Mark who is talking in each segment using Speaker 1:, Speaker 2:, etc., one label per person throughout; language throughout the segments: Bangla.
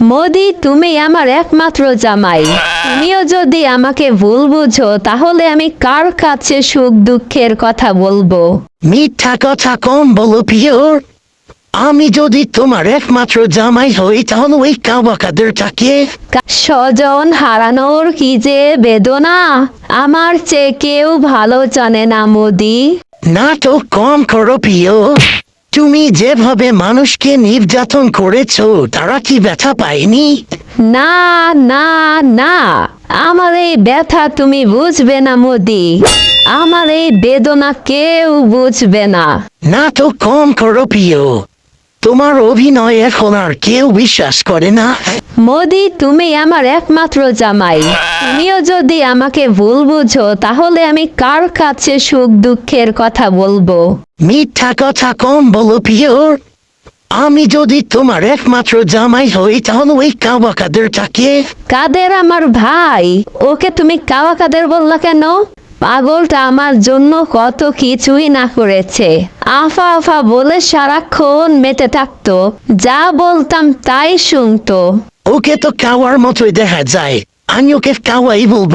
Speaker 1: মোদি, তুমি আমার একমাত্র জামাই। তুমিও যদি আমাকে ভুল বুঝো তাহলে আমি কার কাছে সুখ দুঃখের কথা বলবো?
Speaker 2: মিথ্যা কথা কম বলো পিওর। আমি যদি তোমার একমাত্র জামাই হই তাহলে ওই কাবাকাদেরটাকে
Speaker 1: স্বজন হারানোর কি যে বেদনা আমার চেয়ে কেউ ভালো জানে না মোদি।
Speaker 2: না তো কম করো প্রিয়। তুমি যেভাবে মানুষকে নির্যাতন করেছো তারা কি ব্যথা পায়নি?
Speaker 1: না না না, আমার এই ব্যথা তুমি বুঝবে না মোদি। আমার এই বেদনা কেউ বুঝবে না।
Speaker 2: না তো কম করো প্রিয়। তোমার অভিনয় এখন আর কেউ বিশ্বাস করে না।
Speaker 1: মোদি, তুমি আমার একমাত্র জামাই। তুমিও যদি আমাকে ভুল বুঝো তাহলে আমি কার কাছে সুখ দুঃখের কথা বলবো?
Speaker 2: মিথ্যা কথা কম বলো পিওর। আমি যদি তোমার একমাত্র জামাই হই তাহলে ওই কাবাকাদেরটাকে
Speaker 1: কাদের আমার ভাই, ওকে তুমি কাওয়া কাদের বললা কেন? পাগলটা আমার জন্য কত কিছুই না করেছে। আফা আফা বলে সারাক্ষণ মেতে থাকতো, যা বলতাম তাই শুনতো।
Speaker 2: ওকে তো কাওয়ার মতোই দেখা যায়। আমি ওকে কাওয়াই বলবো।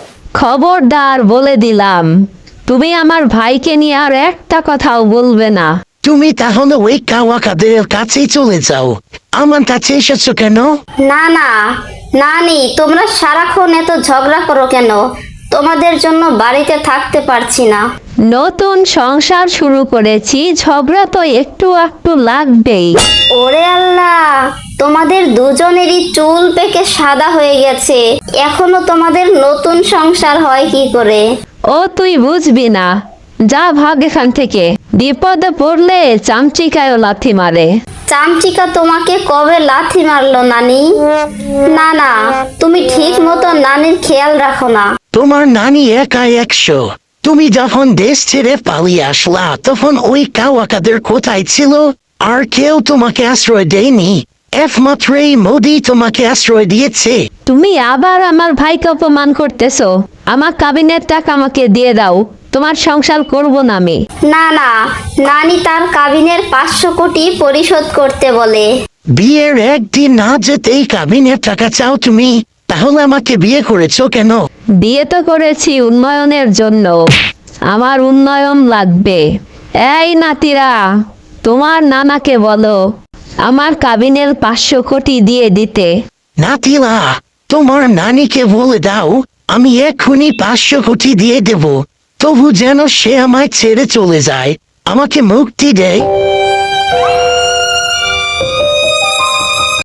Speaker 1: খবরদার বলে দিলাম, তুমি আমার ভাইকে নিয়ে আর একটা কথাও বলবে না।
Speaker 2: তুমি তাহলে ওই কাওয়াকাদের কাছেই চলে যাও। আমার কাছে এসেছো কেন?
Speaker 3: না না, নানি, তোমরা সারাক্ষণ এত ঝগড়া করো কেন? তোমাদের জন্য বাড়িতে থাকতে পারছি না।
Speaker 1: নতুন সংসার শুরু করেছি, ঝগড়া তো একটু একটু লাগবেই।
Speaker 3: ওরে আল্লাহ, তোমাদের দুজনেরই চুল পেকে সাদা হয়ে গেছে, এখনো তোমাদের নতুন সংসার হয় কি করে?
Speaker 1: ও তুই বুঝবি না, যা ভাগ এখান থেকে। বিপদে পড়লে চামচিকায়ও লাথি মারে।
Speaker 3: চামচিকা তোমাকে কবে লাথি মারলো নানি? না না, তুমি ঠিক মতো নানির খেয়াল রাখো না।
Speaker 2: তোমার নানি একাই 100। তুমি যখন দেশ ছেড়ে পালিয়ে আসলা তখন ওই কাওয়াকাদের কোথায় ছিল? আর কেউ তোমাকে আশ্রয় দেয়নি। একমাত্র এই মোদি তোমাকে আশ্রয় দিয়েছে।
Speaker 1: তুমি আবার আমার ভাইকে অপমান করতেছো। আমার কাবিনের টাকা আমাকে দিয়ে দাও, তোমার সংসার করব না আমি।
Speaker 3: না না, নানি তার কাবিনের 500 কোটি পরিশোধ করতে বলে।
Speaker 2: বিয়ের একদিন না যেতেই কাবিনের টাকা চাও তুমি? তাহলে আমাকে বিয়ে করেছো কেন?
Speaker 1: বিয়ে তো করেছি উন্নয়নের জন্য, আমার উন্নয়ন লাগবে। এই নাতিরা, তোমার নানাকে বলো আমার কাবিনের 500 কোটি দিয়ে দিতে।
Speaker 2: নাতিলা, তোমার নানিকে বলে দাও আমি এক্ষুনি 500 কোটি দিয়ে দেব, তবু যেন সে আমায় ছেড়ে চলে যায়, আমাকে মুক্তি দেয়।